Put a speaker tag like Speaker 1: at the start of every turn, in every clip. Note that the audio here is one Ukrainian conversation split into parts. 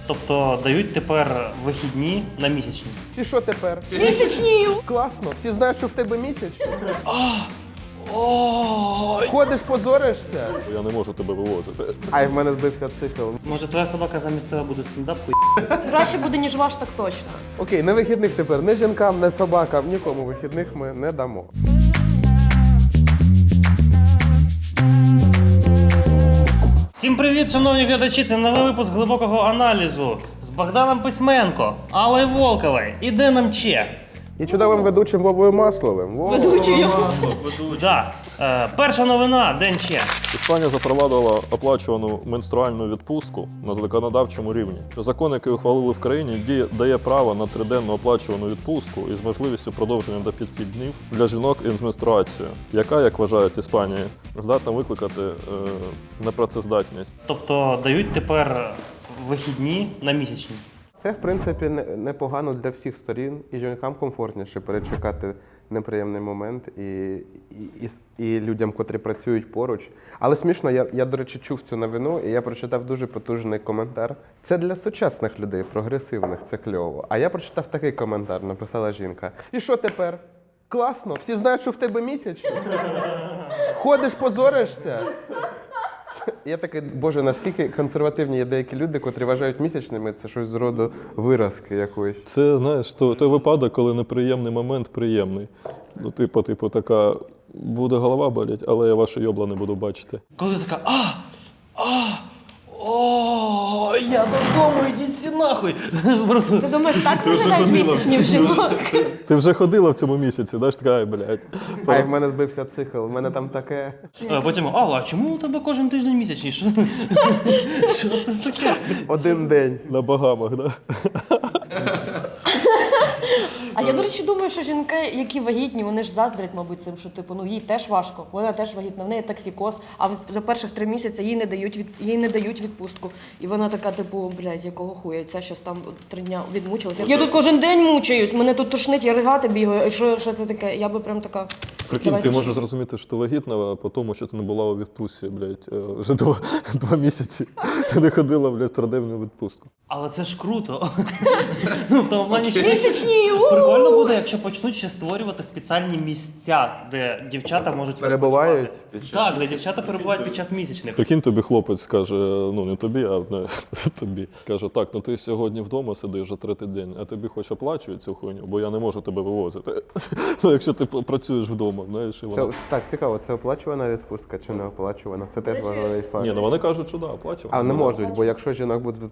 Speaker 1: Тобто дають тепер вихідні на місячні.
Speaker 2: І що тепер?
Speaker 3: Місячнію!
Speaker 2: Класно, всі знають, що в тебе місячні. Ходиш, позоришся.
Speaker 4: Я не можу тебе вивозити.
Speaker 2: Ай, в мене збився цикл.
Speaker 1: Може, твоя собака замість тебе буде стендап?
Speaker 3: Краще буде, ніж ваш, так точно.
Speaker 2: Окей, не вихідних тепер, не жінкам, не собакам, нікому вихідних ми не дамо.
Speaker 1: Всім привіт, шановні глядачі! Це новий випуск глибокого аналізу з Богданом Письменко, Аллою Волковою і Деном Че.
Speaker 2: І чудовим ведучим Вовою Масловим.
Speaker 3: Ведучою.
Speaker 1: Да. Перша новина, Ден Че.
Speaker 4: Іспанія запровадила оплачувану менструальну відпустку на законодавчому рівні. Закон, який ухвалили в країні, дає право на триденну оплачувану відпустку із можливістю продовження до 5 днів для жінок із менструацією, яка, як вважають Іспанії, здатна викликати непрацездатність.
Speaker 1: Тобто дають тепер вихідні на місячні.
Speaker 2: Це, в принципі, непогано для всіх сторін, і жінкам комфортніше перечекати неприємний момент, і людям, котрі працюють поруч. Але смішно, я, до речі, чув цю новину, і я прочитав дуже потужний коментар. Це для сучасних людей, прогресивних, це кльово. А я прочитав такий коментар, написала жінка. І що тепер? Класно, всі знають, що в тебе місячні. Ходиш, позоришся. Я такий, боже, наскільки консервативні є деякі люди, котрі вважають місячними, це щось з роду виразки якоїсь.
Speaker 4: Це, знаєш, той випадок, коли неприємний момент приємний. Ну, типу, така, буде голова боліть, але я ваші йобла не буду бачити.
Speaker 1: Коли ти така, я додому, ідіть всі нахуй. Просто...
Speaker 3: Ти думаєш, так виглядають місячні в жінок?
Speaker 4: Ти вже ходила в цьому місяці, знаєш, така, ай, блядь.
Speaker 2: Ай, в мене збився цикл, в мене там таке.
Speaker 1: А потім, Алла, а чому у тебе кожен тиждень місячний? Що це таке?
Speaker 2: Один день.
Speaker 4: На Багамах, да?
Speaker 3: А я, до речі, думаю, що жінки, які вагітні, вони ж заздрять, мабуть, цим, що типу, їй теж важко, вона теж вагітна, в неї токсикоз, а за перших 3 місяці їй не дають відпустку. І вона така, типу, блядь, якого хуя, і ця щас там 3 дня відмучилася. Я тут кожен день мучаюсь, мене тут тошнить, я ригати бігаю, і що це таке? Я би прям така...
Speaker 4: Прикинь, ти можеш зрозуміти, що ти вагітна, по тому, що ти не була у відпустці, блядь, вже 2 місяці. Ти не ходила, блядь, в 3-денну відпустку.
Speaker 1: Але це ж круто. Ну, в тому плані, що
Speaker 3: Місячні!
Speaker 1: прикольно буде, якщо почнуть ще створювати спеціальні місця, де дівчата можуть
Speaker 2: Перебувають?
Speaker 1: Так, де дівчата перебувають під час місячних.
Speaker 4: Прикинь, тобі хлопець скаже, ну не тобі, а тобі. Каже, так, ну ти сьогодні вдома сидиш вже 3-й день, а тобі хоч оплачують цю хуйню, бо я не можу тебе вивозити. Ну, якщо ти працюєш вдома, знаєш, і вона...
Speaker 2: Так, цікаво, це оплачувана відпустка чи не оплачувана? Це теж важливий факт.
Speaker 4: Ні, ну вони кажуть, що да, оплачувана.
Speaker 2: А не можуть, бо якщо жінок будуть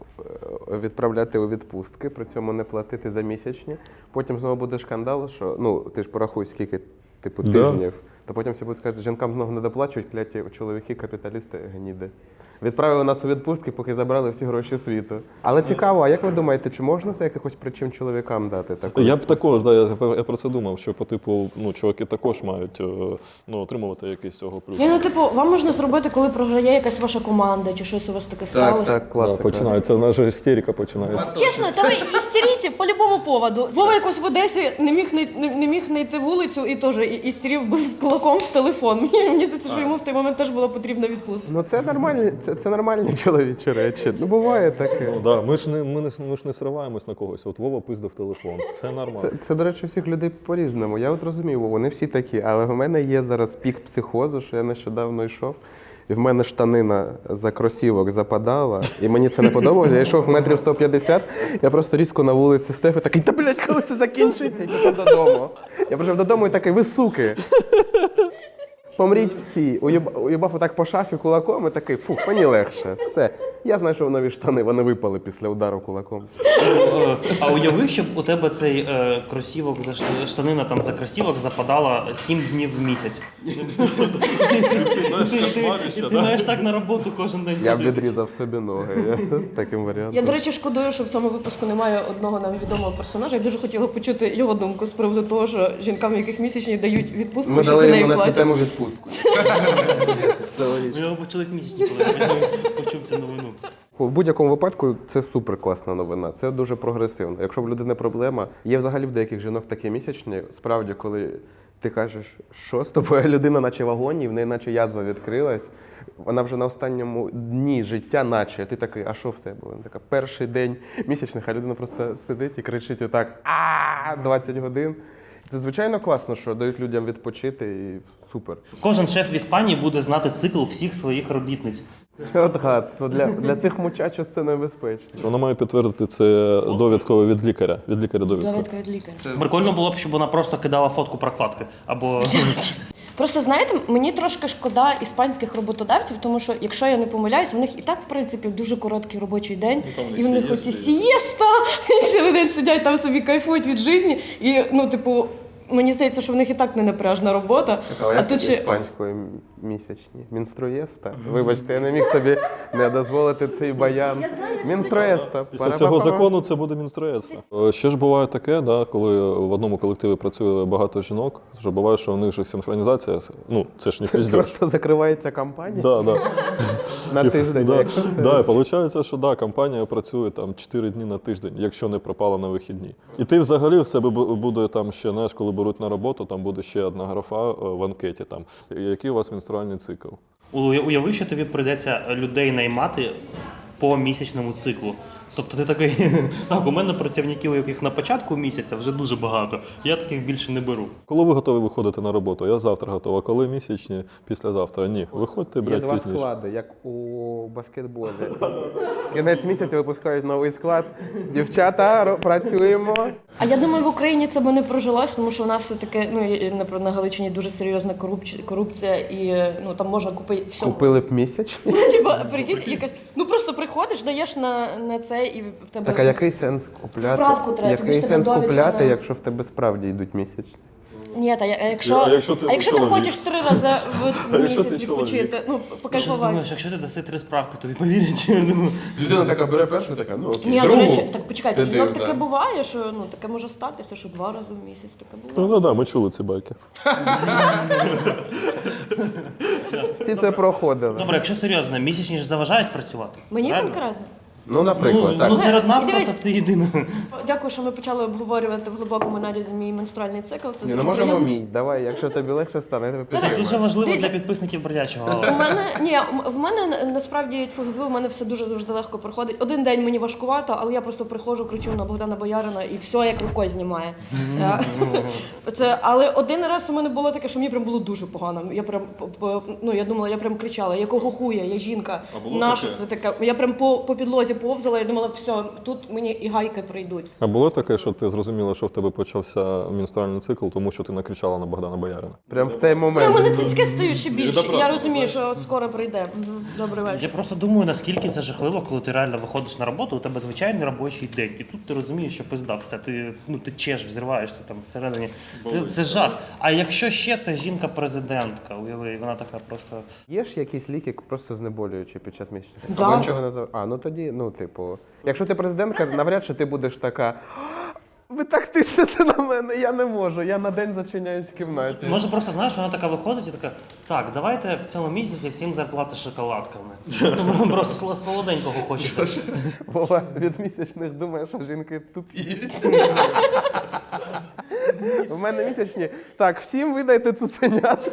Speaker 2: відправляти у відпустки, при цьому не платити за місячні, потім знову буде шкандал, що, ну, ти ж порахуй, скільки, типу, тижнів, то потім всі будуть сказати, жінкам знову не доплачують, кляті чоловіки, капіталісти, гніди. Відправили нас у відпустки, поки забрали всі гроші світу. Але цікаво, а як ви думаєте, чи можна за якихось причин чоловікам дати таку?
Speaker 4: Я б також, да, я про це думав, що по типу, ну, чуваки також мають отримувати якийсь цього плюс.
Speaker 3: Ну, типу, вам можна зробити, коли програє якась ваша команда, чи щось у вас таке сталося.
Speaker 2: Так, класика.
Speaker 4: Да, починається, наша істерика починається.
Speaker 3: Чесно, та ви істеріть по любому поводу. Вова якось в Одесі не міг знайти вулицю і теж істерів бив кулаком в телефон. Мені здається, що йому в той момент теж була потрібна відпустка.
Speaker 2: Ну це нормальні, це нормальні чоловічі речі. Ну буває таке.
Speaker 4: Ну, да, ми ж не сриваємось на когось. От Вова пиздив телефон. Це нормально.
Speaker 2: Це, до речі, у всіх людей по-різному. Я от розумію, вони всі такі, але в мене є зараз пік психозу, що я нещодавно йшов. І в мене штанина за кросівок западала, і мені це не подобалося. Я йшов метрів 150, я просто різко на вулиці стефи такий, та блядь, коли це закінчиться? Я пішов додому. Я прийшов додому і такий, ви суки. Помріть всі. Уїбав отак по шафі кулаком і такий, фух, мені легше. Все. Я знайшов нові штани, вони випали після удару кулаком.
Speaker 1: А уяви, щоб у тебе цей кросівок, штанина там за кросівок западала 7 днів в місяць. І ти маєш так на роботу кожен день.
Speaker 2: Я б відрізав собі ноги з таким варіантом.
Speaker 3: Я, до речі, шкодую, що в цьому випуску немає одного нам відомого персонажа. Я дуже хотіла почути його думку з приводу того, що жінкам, яких місячні дають відпустку,
Speaker 2: Ми
Speaker 3: що за
Speaker 2: дали
Speaker 3: неї
Speaker 2: йому на цю
Speaker 3: платять.
Speaker 2: тему відпустку.
Speaker 1: У нього почались місячні, коли я почув цю новину.
Speaker 2: В будь-якому випадку це супер класна новина, це дуже прогресивно. Якщо в людини проблема, є взагалі в деяких жінок такі місячні, справді, коли ти кажеш, що з тобою людина наче в агонії, в неї наче язва відкрилась, вона вже на останньому дні життя, наче, ти такий, а що в тебе? Вона така, перший день місячних, а людина просто сидить і кричить отак, 20 годин. Це, звичайно, класно, що дають людям відпочити і супер.
Speaker 1: Кожен шеф в Іспанії буде знати цикл всіх своїх робітниць.
Speaker 2: От гад, ну для цих мучачос це небезпечно.
Speaker 4: Вона має підтвердити це довідкою від лікаря. Від лікаря довідку.
Speaker 3: Довідка від лікаря.
Speaker 1: Прикольно було б, щоб вона просто кидала фотку прокладки. Або
Speaker 3: Просто, знаєте, мені трошки шкода іспанських роботодавців, тому що, якщо я не помиляюсь, в них і так, в принципі, дуже короткий робочий день, і в них оці сієста, і цілий день сидять там собі кайфують від житті, і, ну, типу, мені здається, що в них і так не напряжна робота.
Speaker 2: А тут ще іспанської місячні. Мінструєста. Вибачте, я не міг собі не дозволити цей баян. Мінструєста.
Speaker 4: Після цього закону це буде мінструєтство. Ще ж буває таке, да, коли в одному колективі працює багато жінок, що буває, що у них же синхронізація, ну, це ж не пиздець.
Speaker 2: Просто закривається компанія
Speaker 4: Да.
Speaker 2: на тиждень.
Speaker 4: Да,
Speaker 2: Якщо це...
Speaker 4: да, і виходить, що да, компанія працює там 4 дні на тиждень, якщо не пропала на вихідні. І ти взагалі в себе буде там ще, знаєш, коли беруть на роботу, там буде ще одна графа в анкеті, там, який у вас менструальний цикл.
Speaker 1: уяви, що тобі прийдеться людей наймати по місячному циклу. Тобто ти такий, так, у мене працівників, яких на початку місяця вже дуже багато, я таких більше не беру.
Speaker 4: Коли ви готові виходити на роботу? Я завтра готова. Коли місячні? Післязавтра? Ні. Виходьте,
Speaker 2: Є
Speaker 4: блядь,
Speaker 2: два
Speaker 4: пізніше.
Speaker 2: склади, як у баскетболі. Кінець місяця випускають новий склад. Дівчата, працюємо.
Speaker 3: А я думаю, в Україні це би не прожилось, тому що у нас все-таки, ну, на Галичині дуже серйозна корупція, і, ну, там можна купити все.
Speaker 2: Купили б місячні.
Speaker 3: Типа, прикинь, якась, ну просто приходиш, даєш на це, і в тебе...
Speaker 2: Так, а який сенс купляти?
Speaker 3: Справку треба, тобі ж
Speaker 2: Який
Speaker 3: тебе
Speaker 2: сенс
Speaker 3: довідка
Speaker 2: купляти,
Speaker 3: на-
Speaker 2: якщо в тебе справді йдуть місячні?
Speaker 3: Ні, та якщо,
Speaker 4: А якщо ти
Speaker 3: ти
Speaker 4: чоловік?
Speaker 3: хочеш 3 рази в
Speaker 4: якщо
Speaker 3: місяць
Speaker 4: ти чоловік?
Speaker 3: відпочити, ну,
Speaker 1: Що ти
Speaker 3: покайфувати.
Speaker 1: думаєш, якщо ти даси 3 справки, тобі повірять? Я думаю,
Speaker 2: Людина така бере першу, така, ну окей,
Speaker 3: Ні, до
Speaker 2: другу.
Speaker 3: речі, так почекайте,
Speaker 2: Ти
Speaker 3: жінок
Speaker 2: див,
Speaker 3: таке
Speaker 2: да.
Speaker 3: буває, що, ну, таке може статися, що 2 рази в місяць таке буває.
Speaker 4: Ну, да, ми чули ці байки.
Speaker 2: Всі це проходили.
Speaker 1: добре, якщо серйозно, місячні ж заважають працювати.
Speaker 3: Мені
Speaker 1: правильно?
Speaker 3: конкретно.
Speaker 2: Ну, наприклад, так.
Speaker 1: Ну, серед нас
Speaker 3: Дивись.
Speaker 1: просто ти єдина.
Speaker 3: Дякую, що ми почали обговорювати в глибокому аналізі мій менструальний цикл. Це
Speaker 2: Ні, ну
Speaker 3: дуже
Speaker 2: можемо
Speaker 3: приємно.
Speaker 2: мій. Давай, якщо тобі легше стане, я тебе
Speaker 1: Це
Speaker 2: підтримаю.
Speaker 1: дуже важливо
Speaker 3: Дивіться.
Speaker 1: для підписників Бродячого.
Speaker 3: У мене ні, в мене насправді у мене все дуже завжди легко проходить. Один день мені важкувато, але я просто приходжу, кричу на Богдана Боярина і все як рукою знімає. Але один раз у мене було таке, що мені прям було дуже погано. Я прям ну я думала, я прям кричала, якого хуя, я жінка. Нащо це таке? Я прям по підлозі повзала і думала, все, тут мені і гайки прийдуть.
Speaker 4: А було таке, що ти зрозуміла, що в тебе почався менструальний цикл, тому що ти накричала на Богдана Боярина?
Speaker 2: Прям в цей
Speaker 3: У
Speaker 2: момент.
Speaker 3: мене цицьки стають ще більше. І я розумію, що от скоро прийде. Добрий вечір.
Speaker 1: Я просто думаю, наскільки це жахливо, коли ти реально виходиш на роботу, у тебе звичайний робочий день. І тут ти розумієш, що пизда, все, ти чеш, взриваєшся там всередині. Це жах. А якщо ще це жінка-президентка, уяви, вона така просто.
Speaker 2: Є ж якісь ліки просто знеболюючі під час місячних?
Speaker 3: Да.
Speaker 2: Або нічого не зав... А, ну тоді, ну, типу, якщо ти президентка, навряд чи ти будеш така. Ви так тиснете на мене, я не можу. Я на день зачиняюсь в кімнаті.
Speaker 1: Може просто, знаєш, вона така виходить і така, так, давайте в цьому місяці всім зарплати шоколадками. Ну, просто солоденького хочеться.
Speaker 2: Вова від місячних думає, що жінки тупі. У мене місячні. Так, всім видайте цуценят.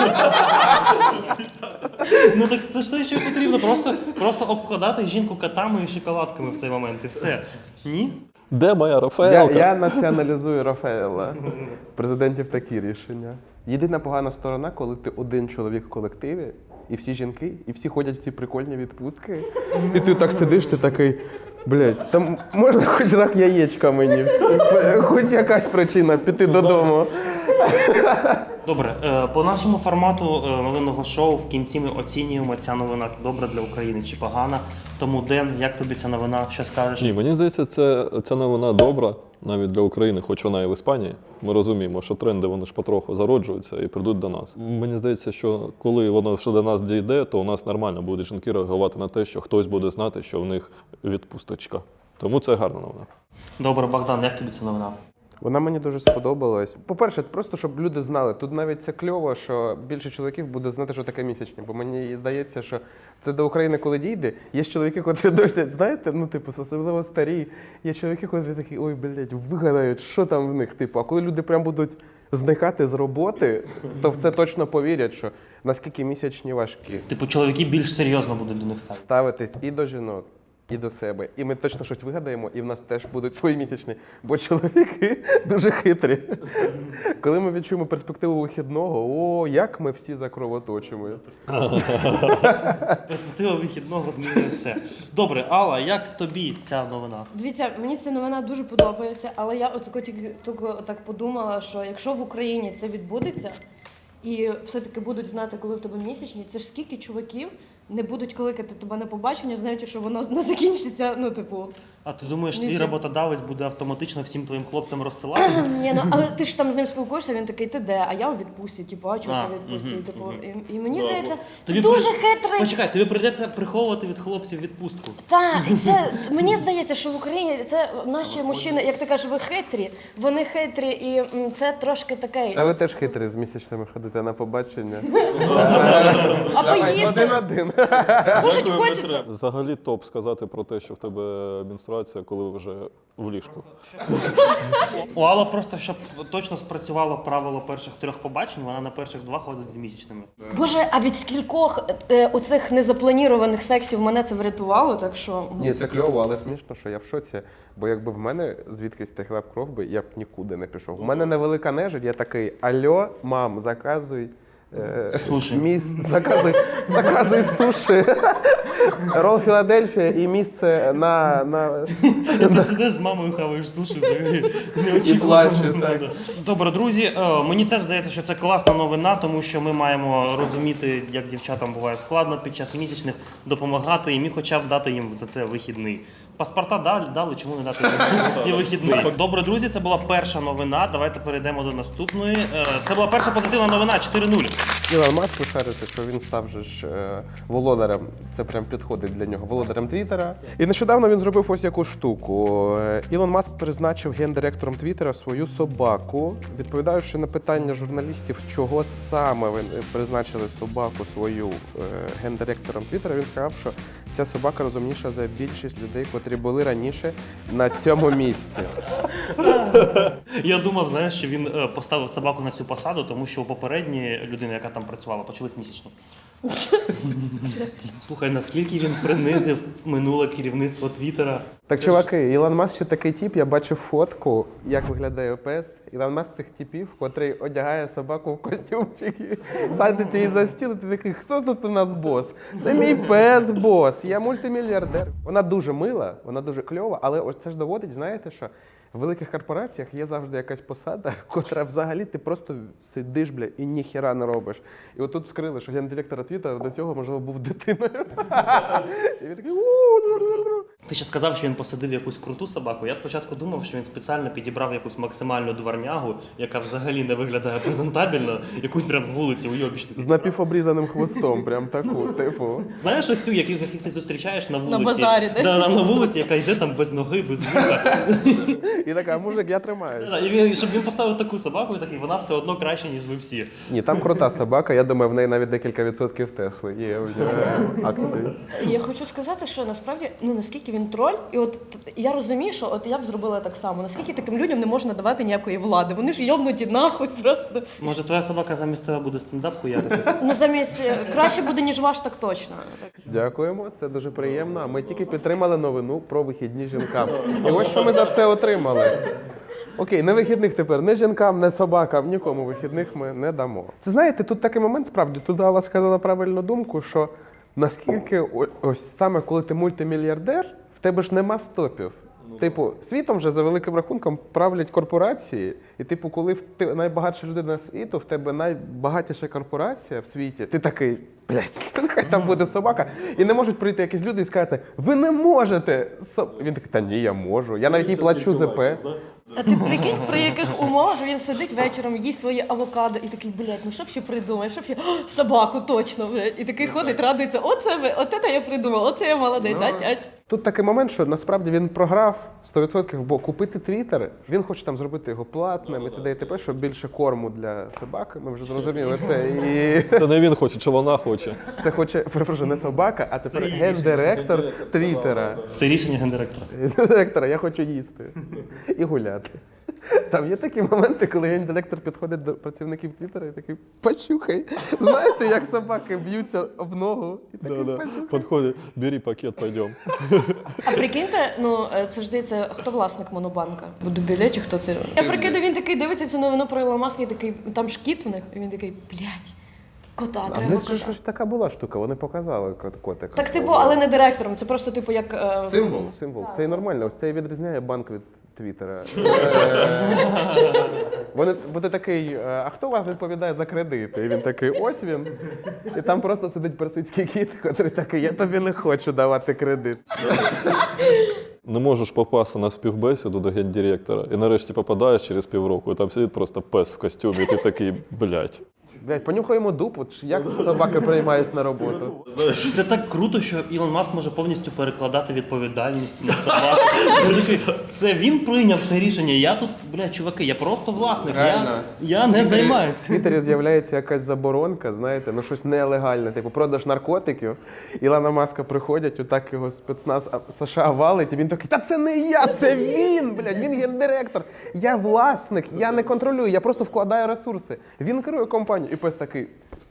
Speaker 1: Ну так це ж те, що потрібно. Просто обкладати жінку котами і шоколадками в цей момент, і все. Ні?
Speaker 4: Де моя Рафаелка?
Speaker 2: Я націоналізую Рафаела. Президентів такі рішення. Єдина погана сторона, коли ти один чоловік в колективі, і всі жінки, і всі ходять в ці прикольні відпустки. І ти так сидиш, ти такий, блядь, там можна хоч рак яєчка мені, хоч якась причина піти додому.
Speaker 1: Добре, по нашому формату новинного шоу в кінці ми оцінюємо, ця новина добра для України чи погана. Тому, Ден, як тобі ця новина? Що скажеш?
Speaker 4: Ні, мені здається, ця новина добра навіть для України, хоч вона і в Іспанії. Ми розуміємо, що тренди вони ж потроху зароджуються і прийдуть до нас. Мені здається, що коли воно ще до нас дійде, то у нас нормально будуть жінки реагувати на те, що хтось буде знати, що в них відпусточка. Тому це гарна новина.
Speaker 1: Добре, Богдан, як тобі ця новина?
Speaker 2: Вона мені дуже сподобалась. По-перше, просто щоб люди знали, тут навіть це кльово, що більше чоловіків буде знати, що таке місячні. Бо мені здається, що це до України коли дійде. Є чоловіки, котрі досі, знаєте, ну типу, особливо старі. Є чоловіки, котрі такі, ой, блядь, вигадають, що там в них. Типу, а коли люди прям будуть зникати з роботи, то в це точно повірять, що наскільки місячні важкі.
Speaker 1: Типу, чоловіки більш серйозно будуть до них ставити.
Speaker 2: Ставитись і до жінок, і до себе. І ми точно щось вигадаємо, і в нас теж будуть свої місячні. Бо чоловіки дуже хитрі. Коли ми відчуємо перспективу вихідного, о, як ми всі закровоточимо.
Speaker 1: Перспектива вихідного змінює все. Добре, Алла, як тобі ця новина?
Speaker 3: Дивіться, мені ця новина дуже подобається, але я тільки так подумала, що якщо в Україні це відбудеться, і все-таки будуть знати, коли в тебе місячні, це ж скільки чуваків не будуть кликати тебе на побачення, знаючи, що воно не закінчиться, ну, типу.
Speaker 1: А ти думаєш, твій
Speaker 3: Нічого.
Speaker 1: роботодавець буде автоматично всім твоїм хлопцям розсилати?
Speaker 3: Ні, ну, але ти ж там з ним спілкуєшся, він такий, ти де? А я у відпустці, типу, а чого ти у відпустці? Типу, і мені здається, це
Speaker 1: Тобі
Speaker 3: дуже
Speaker 1: при-
Speaker 3: хитрий.
Speaker 1: Почекай, тобі прийдеться приховувати від хлопців відпустку.
Speaker 3: Так, і це мені здається, що в Україні це наші мужчини, як ти кажеш, ви хитрі, вони хитрі, і це трошки таке.
Speaker 2: А ви теж хитрі з місячними ходите на побачення.
Speaker 3: А
Speaker 2: Давай,
Speaker 3: поїсти
Speaker 2: один-один.
Speaker 3: дуже хочеться.
Speaker 4: Взагалі топ сказати про те, що в тебе менструація, коли ви вже в ліжку.
Speaker 1: У Алла просто, щоб точно спрацювало правило перших 3 побачень, вона на перших 2 ходить з місячними.
Speaker 3: Боже, а від скількох оцих незапланірованих сексів мене це врятувало, так що.
Speaker 2: Ні, це кльово, але смішно, що я в шоці. Бо якби в мене звідкись текла б кров би, я б нікуди не пішов. У мене невелика нежить, я такий, альо, мам, заказуй.
Speaker 1: Суші.
Speaker 2: Заказуй суші. Рол Філадельфія і місце на...
Speaker 1: Ти сидиш з мамою, хаваєш суші, взагалі не
Speaker 2: І
Speaker 1: очікував.
Speaker 2: плаче, так.
Speaker 1: Добре, друзі, мені теж здається, що це класна новина, тому що ми маємо розуміти, як дівчатам буває складно під час місячних, допомагати їм і хоча б дати їм за це вихідний. Паспорта дали, чому не дати і вихідний. Добре, друзі, це була перша новина. Давайте перейдемо до наступної. Це була перша позитивна новина 4:0.
Speaker 2: Ілон Маск, ви шарите, що він став же ж володарем, це прям підходить для нього, володарем Твіттера. І нещодавно він зробив ось яку штуку. Ілон Маск призначив гендиректором Твіттера свою собаку, відповідаючи на питання журналістів, чого саме ви призначили собаку свою гендиректором Твіттера, він сказав, що ця собака розумніша за більшість людей, котрі були раніше на цьому місці.
Speaker 1: Я думав, знаєш, що він поставив собаку на цю посаду, тому що у попередньої людини, яка там працювала, почались місячні. Слухай, наскільки він принизив минуле керівництво Твіттера.
Speaker 2: Так, чуваки, Ілон Маск ще такий тип, я бачив фотку, як виглядає пес. Ілон Маск з тих типів, котрий одягає собаку в костюмчики, садить її за стіл, і ти такий, хто тут у нас бос? Це мій пес бос, я мультимільярдер. Вона дуже мила, вона дуже кльова, але ось це ж доводить, знаєте що? В великих корпораціях є завжди якась посада, котра взагалі ти просто сидиш, бля, і ніхіра не робиш. І отут вскрили, що гендиректора Твіттера до цього, можливо, був дитиною. І він такий у-у-у-у-у.
Speaker 1: Ти ще сказав, що він посадив якусь круту собаку. Я спочатку думав, що він спеціально підібрав якусь максимальну дворнягу, яка взагалі не виглядає презентабельно, якусь прям з вулиці уйобічну.
Speaker 2: З напівобрізаним хвостом, прям таку, типу.
Speaker 1: Знаєш ось цю, яких ти зустрічаєш на вулиці?
Speaker 3: базарі десь.
Speaker 1: Да, на вулиці, яка йде там без ноги, без вуха.
Speaker 2: І така, мужик, я тримаюсь.
Speaker 1: І він, щоб він поставив таку собаку, і такий, вона все одно краще, ніж ви всі.
Speaker 2: Ні, там крута собака, я думаю, в неї навіть декілька відсотків Тесли є в акції.
Speaker 3: Я хочу сказати, що насправді, ну наскільки він троль, і от я розумію, що от я б зробила так само. Наскільки таким людям не можна давати ніякої влади? Вони ж йобнуті нахуй просто.
Speaker 1: Може, твоя собака замість тебе буде стендап хуярити?
Speaker 3: Ну замість краще буде, ніж ваш, так точно.
Speaker 2: Дякуємо, це дуже приємно. А ми тільки підтримали новину про вихідні жінкам. І ось що ми за це отримали. Окей, не вихідних тепер, не жінкам, не собакам, нікому вихідних ми не дамо. Це знаєте, тут такий момент справді, тут Алла сказала правильну думку, що наскільки ось саме коли ти мультимільярдер, в тебе ж нема стопів. Типу, світом вже за великим рахунком правлять корпорації, і типу, коли ти найбагатша людина світу, в тебе найбагатіша корпорація в світі, ти такий, блядь, нехай там буде собака. І не можуть прийти якісь люди і сказати, ви не можете. Він такий, та ні, я можу. Я навіть їй плачу ЗП.
Speaker 3: А ти прикинь, при яких умовах він сидить вечором, їсть своє авокадо і такий, блядь, ну що б ще придумати, що б ще, собаку точно, блядь. І такий ходить, радується, от це я придумав, оце я молодець, ать.
Speaker 2: Тут такий момент, що насправді він програв 100%, бо купити Твіттер, він хоче там зробити його платним і т.д. і т.п., щоб більше корму для собак, ми вже зрозуміли це. І
Speaker 4: Це не він хоче, чи вона хоче.
Speaker 2: це хоче, перепрошую, не собака, а тепер гендиректор Твіттера.
Speaker 1: Це рішення гендиректора.
Speaker 2: Гендиректора, я хочу їсти і гуляти. Там є такі моменти, коли гендиректор підходить до працівників Твіттера і такий, почухай. Знаєте, як собаки б'ються об ногу? І такий, почухай.
Speaker 4: Підходить, бери пакет, пойдем.
Speaker 3: А прикиньте, ну це ж здається, хто власник Монобанка? Дубіле чи хто це? Я прикидаю, він такий дивиться цю новину про Ілона Маска і такий, там ж кіт в них, і він такий, блядь, кота,
Speaker 2: А в
Speaker 3: треба
Speaker 2: них же
Speaker 3: кота.
Speaker 2: ж така була штука, вони показали котика.
Speaker 3: Так, типу, але не директором, це просто типу як...
Speaker 2: Символ. Це і нормально. Ось це і відрізняє банк від Твіттера. Вони буде такий, а хто у вас відповідає за кредити? І він такий, ось він. І там просто сидить персидський кіт, який такий, я тобі не хочу давати кредит.
Speaker 4: Не можеш попасти на співбесіду до гендиректора, і нарешті попадаєш через півроку, і там сидить просто пес в костюмі, і ти такий, блядь.
Speaker 2: Блядь, понюхаємо дупу, як собаки приймають на роботу.
Speaker 1: Це так круто, що Ілон Маск може повністю перекладати відповідальність на собаку. Це він прийняв це рішення. Я тут, блядь, чуваки, я просто власник.
Speaker 2: Реально.
Speaker 1: Я не займаюсь.
Speaker 2: В Твіттері з'являється якась заборонка, знаєте, ну щось нелегальне, типу продаж наркотиків. Ілона Маска приходять, отак його спецназ США валить, і він такий, та це не я, це він, блядь, він гендиректор. Я власник, я не контролюю, я просто вкладаю ресурси. Він керує компанією. І пес такий.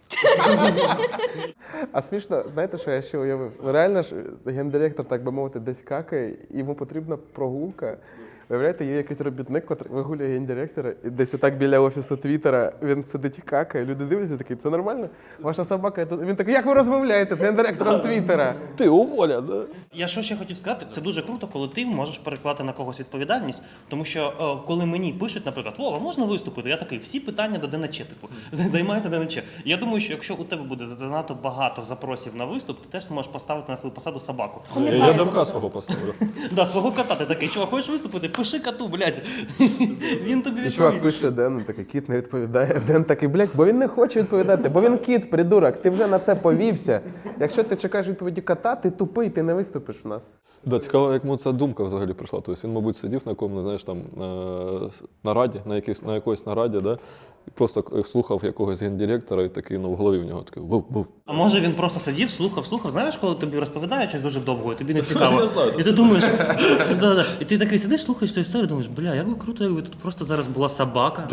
Speaker 2: А смішно, знаєте, що я ще уявив? Ну, реально ж гендиректор, так би мовити, десь какає, йому потрібна прогулка. Виявляєте, є якийсь робітник, який вигулює гендиректора, і десь отак біля офісу Твіттера він сидить і какає, люди дивляться, такі, це нормально? Ваша собака тут. Він такий, як ви розмовляєте з гендиректором Твіттера?
Speaker 4: Ти уволя, да?
Speaker 1: Я що ще хотів сказати, це дуже круто, коли ти можеш перекладати на когось відповідальність, тому що коли мені пишуть, наприклад, Вова, можна виступити? Я такий, всі питання до ДНЧ, типу, займається ДНЧ. Я думаю, що якщо у тебе буде занадто багато запросів на виступ, ти теж зможеш поставити на свою посаду собаку.
Speaker 4: Я демка свого поставлю.
Speaker 1: Да, свого кота, ти такий, чувак, хочеш виступити? Пиши коту, блядь. Він тобі
Speaker 2: І чувак
Speaker 1: відповість.
Speaker 2: пише Дену, такий, кіт не відповідає. Ден такий, блядь, бо він не хоче відповідати, бо він кіт, придурок, ти вже на це повівся. Якщо ти чекаєш відповіді кота, ти тупий, ти не виступиш в нас.
Speaker 4: Да, цікаво, як йому ця думка взагалі прийшла. Тобто він, мабуть, сидів на якому, знаєш, там нараді, на якоїсь нараді, да? І просто слухав якогось гендиректора і такий, ну, в голові в нього такий був.
Speaker 1: А може він просто сидів, слухав, знаєш, коли тобі розповідають щось дуже довго, і тобі не цікаво. І ти думаєш, і ти такий сидиш, слухаєш цю історію, думаєш, бля, як би круто, якби тут просто зараз була собака.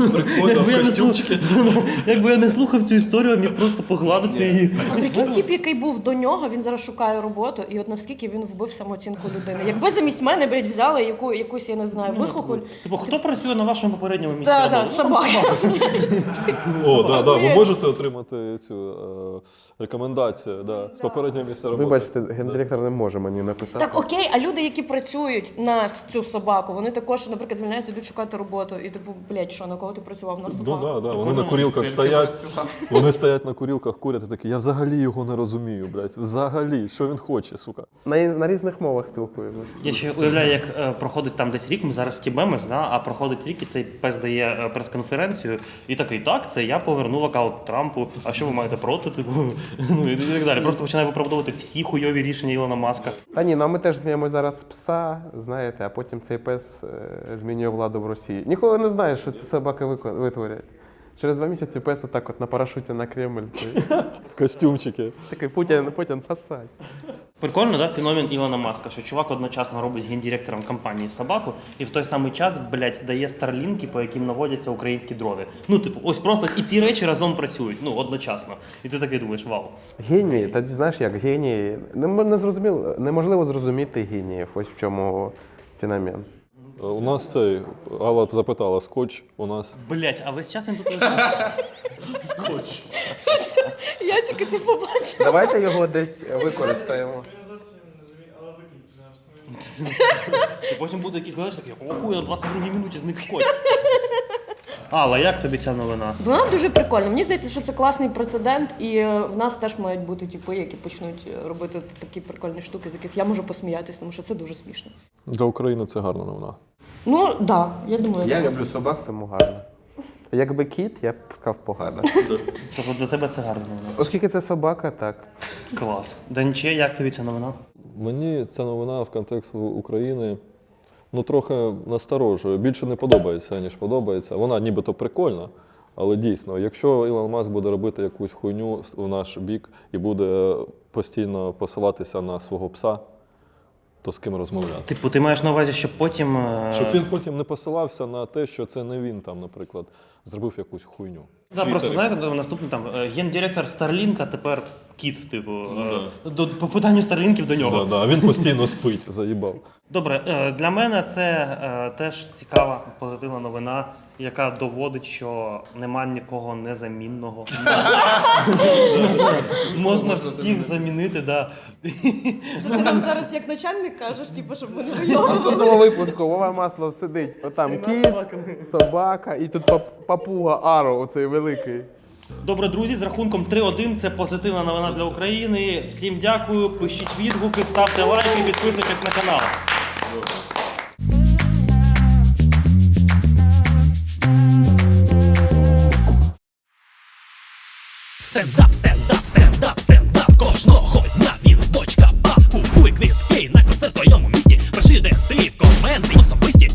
Speaker 1: Якби я не слухав цю історію, а міг просто погладити її.
Speaker 3: А прикинь, тип, який був до нього, він зараз шукає роботу, і от наскільки він вбив самооцінку людини. Якби замість мене, блядь, взяли якусь, я не знаю, вихохоль.
Speaker 1: Типу, хто працює на вашому попередньому місці?
Speaker 3: Так,
Speaker 1: роботи?
Speaker 3: собака.
Speaker 4: О, да, да, ви можете отримати цю рекомендацію, да, з попереднього місця роботи.
Speaker 2: Вибачте, гендиректор не може мені написати.
Speaker 3: Так, окей, а люди, які працюють на цю собаку, вони також, наприклад, звільняються, йдуть шукати роботу. І типу, блядь, що, на кого ти працював? На
Speaker 4: Ну,
Speaker 3: собаку?
Speaker 4: да, да. Вони на курілках стоять, вони стоять на курілках, курять і такі, я взагалі його не розумію, блядь, взагалі, що він хоче, сука.
Speaker 2: На різних мовах спілкуємося.
Speaker 1: Я ще уявляю, як проходить там десь рік, ми зараз стібемось, да? А проходить рік, і цей пес дає прес-конференцію, і такий, так, це я повернув аккаунт Трампу, а що ви маєте проти, типу, ну і так далі. Просто починає виправдовувати всі хуйові рішення Ілона Маска.
Speaker 2: Та ні, ну а ми теж зміємо зараз пса, знаєте, а потім цей пес змінює владу в Росії. Ніколи не знаєш, що ці собаки витворять. Через 2 місяці пес отак от на парашуті на Кремль.
Speaker 4: В костюмчики.
Speaker 2: Такий Путін сосать.
Speaker 1: Прикольно, да, феномен Ілона Маска, що чувак одночасно робить гендиректором компанії собаку і в той самий час, блядь, дає старлінки, по яким наводяться українські дрони. Ну, типу, ось просто і ці речі разом працюють, ну, одночасно. І ти такий думаєш, вау.
Speaker 2: Генії, та знаєш як, генії. Неможливо зрозуміти геніїв, ось в чому феномен.
Speaker 4: У нас цей, Алла запитала, скотч у нас.
Speaker 1: Блядь, а весь час він тут лежить? Скотч.
Speaker 3: Я тільки це побачила.
Speaker 2: Давайте його десь використаємо.
Speaker 1: І потім буде якийсь глядач такий, охуй, на 22-й минуті зник скотч. Алла, як тобі ця новина?
Speaker 3: Вона дуже прикольна. Мені здається, що це класний прецедент, і в нас теж мають бути типи, які почнуть робити такі прикольні штуки, з яких я можу посміятися, тому що це дуже смішно.
Speaker 4: Для України це гарна новина.
Speaker 3: Ну, так, да, я думаю.
Speaker 2: Я
Speaker 3: так.
Speaker 2: люблю собак, тому гарно. Якби кіт, я б сказав погано.
Speaker 1: Тобто для тебе це гарна новина.
Speaker 2: Оскільки це собака, так.
Speaker 1: Клас. Данче, як тобі ця новина?
Speaker 4: Мені ця новина в контексті України трохи насторожує. Більше не подобається, ніж подобається. Вона нібито прикольна, але дійсно, якщо Ілон Маск буде робити якусь хуйню в наш бік і буде постійно посилатися на свого пса, то з ким розмовляти?
Speaker 1: Типу, ти маєш на увазі, щоб потім.
Speaker 4: Щоб він потім не посилався на те, що це не він там, наприклад, зробив якусь хуйню.
Speaker 1: Так, просто знаєте, наступний там гендиректор Старлінка тепер кіт, типу, по питанню Старлінків до нього.
Speaker 4: Да, він постійно спить, заїбав.
Speaker 1: Добре, для мене це теж цікава, позитивна новина, яка доводить, що нема нікого незамінного. Можна всіх замінити, да.
Speaker 3: Це ти нам зараз як начальник кажеш, типу, щоб ви не
Speaker 2: Наступного випуску Вова Маслов сидить. Отам кіт, собака і тут папуга Аро, оцей великий.
Speaker 1: Добре, друзі, з рахунком 3-1 це позитивна новина для України. Всім дякую, пишіть відгуки, ставте лайки, підписуйтесь на канал.
Speaker 5: Стендап, кожного дня він в бочка баб. Купуй квітки на концерт в твоєму місті. Пиши, де ти в коменти особисті.